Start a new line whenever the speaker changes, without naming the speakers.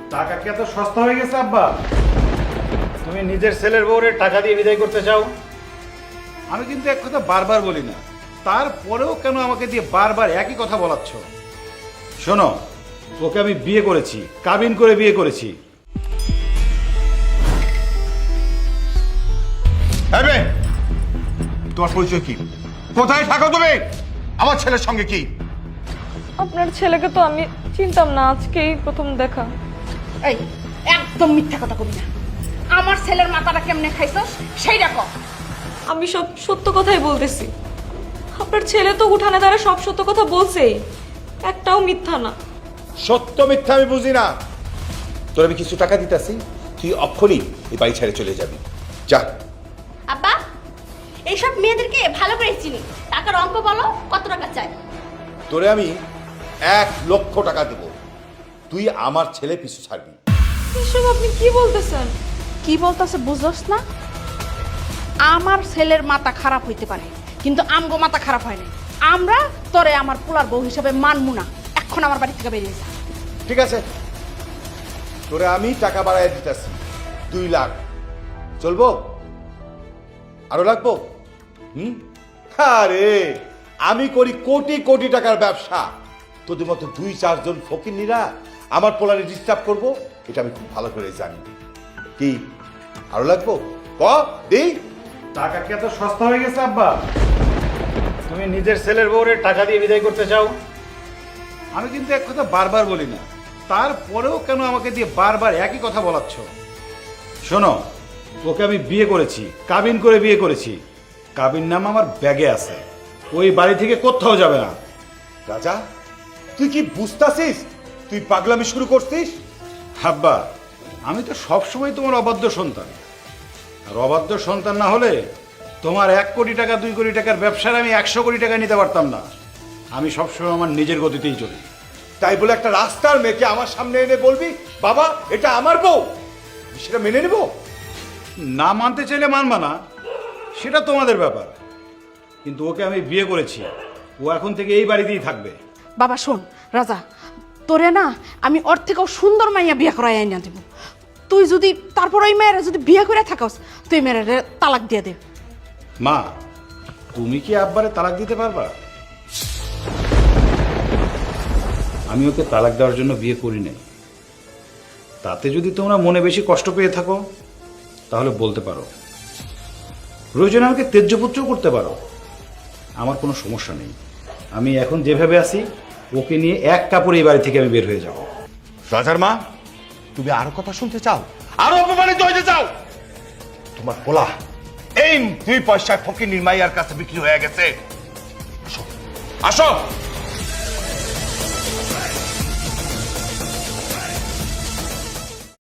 টাকা কি এত সস্তা হয়ে গেছে আব্বা? তুমি নিজের ছেলের বউরে টাকা দিয়ে বিদায় করতে চাও? আমি কিন্তু এক কথা বারবার বলি না, তারপরেও কেন আমাকে দিয়ে বারবার একই কথা বলাচ্ছ? শোনো, ওকে আমি বিয়ে করেছি, কাবিন করে বিয়ে করেছি।
তোমার পরিচয় কি? কোথায় থাকো তুমি? আমার ছেলের সঙ্গে কি?
আপনার ছেলেকে তো আমি চিনতাম না, আজকেই প্রথম দেখা।
এই একদম মিথ্যা কথা কবি না। আমার ছেলের মাথাটা কেমনে খাইছস সেইটা কর।
আমি সব সত্য কথাই বলতেছি। আপনার ছেলে তো উঠানে দ্বারা সব সত্য কথা বলছেই, একটাও মিথ্যা না।
সত্য মিথ্যা আমি বুঝি না। তোর আমি কিছু টাকা দিতেছি, তুই অক্ষরই এই বাড়ি ছেড়ে চলে যাবি। যা।
আব্বা, এইসব মেয়েদেরকে ভালো করে চিনি। টাকার অঙ্ক বলো, কত টাকা চাই?
তোরে আমি 1,00,000 টাকা দেব, তুই আমার ছেলে পিছু ছাড়বি।
এসব আপনি কি বলতেছেন?
কি বলতেছে বুঝছস না? আমার ছেলের মাথা খারাপ হইতে পারে, কিন্তু আমগো মাথা খারাপ হয় না। আমরা তোরে আমার পোলার বউ হিসাবে মানমু না। এখন আমার বাড়ি থেকে বেরিয়ে যা।
ঠিক আছে, তোরে আমি টাকা বাড়াই দিতেছি 2 লাখ। চলবো? আরো লাগবো? আরে আমি করি কোটি কোটি টাকার ব্যবসা। তোদের মতো 2-4 জন ফকিন্নিরা আমার পোলারে ডিস্টার্ব করবো, এটা আমি খুব ভালো করে জানি। কি আরো লাগবো? ক দেই।
টাকা কি এত সস্তা হয়ে গেছে আব্বা? তুমি নিজের ছেলের বউরে টাকা দিয়ে বিদায় করতে চাও? আমি কিন্তু এক কথা বারবার বলি না, তারপরেও কেন আমাকে দিয়ে বারবার একই কথা বলাচ্ছ? শোনো, ওকে আমি বিয়ে করেছি, কাবিন করে বিয়ে করেছি। কাবিন নাম আমার ব্যাগে আছে, ওই বাড়ি থেকে কোথাও যাবে না।
রাজা, তুই কি বুঝতাছিস? তুই পাগলামি শুরু করছিস?
আব্বা, আমি তো সবসময় তোমার অবাধ্য সন্তান। আর অবাধ্য সন্তান না হলে তোমার 1 কোটি টাকা 2 কোটি টাকার ব্যবসার আমি 100 কোটি টাকা নিতে পারতাম না। আমি সবসময় আমার নিজের গতিতেই চলি।
তাই বলে একটা রাস্তার মেয়েকে আমার সামনে এনে বলবি বাবা এটা আমার বউ, সেটা মেনে নেব?
না মানতে চাইলে মানবা না, সেটা তোমাদের ব্যাপার। কিন্তু ওকে আমি বিয়ে করেছি, ও এখন থেকে এই বাড়িতেই থাকবে।
বাবা শোন রাজা, তোরে না আমি ওর থেকেও সুন্দর মাইয়া বিয়ে করাই আইনা দেব। তুই যদি তারপর ওই মেয়েরা যদি বিয়ে করে থাকস, তুই মেয়েরা তালাক দিয়ে দে।
মা, তুমি কি আব্বারে তালাক দিতে পারবা? আমি ওকে তালাক দেওয়ার জন্য বিয়ে করি নাই। তাতে যদি তোমরা মনে বেশি কষ্ট পেয়ে থাকো তাহলে বলতে পারো, প্রয়োজনে আমাকে ত্যায্যপুত্রও করতে পারো, আমার কোনো সমস্যা নেই। আমি এখন যেভাবে আছি ওকে নিয়ে এক কাপড়ে এই বাড়ি থেকে আমি বের হয়ে যাব।
রাজার মা, তুমি আরো কথা শুনতে চাও? আরো অপমানিত হইতে চাও? তোমার পোলা এই 2 পয়সায় ফকির নির্মাইয়ার কাছে বিক্রি হয়ে গেছে। আসো আসো।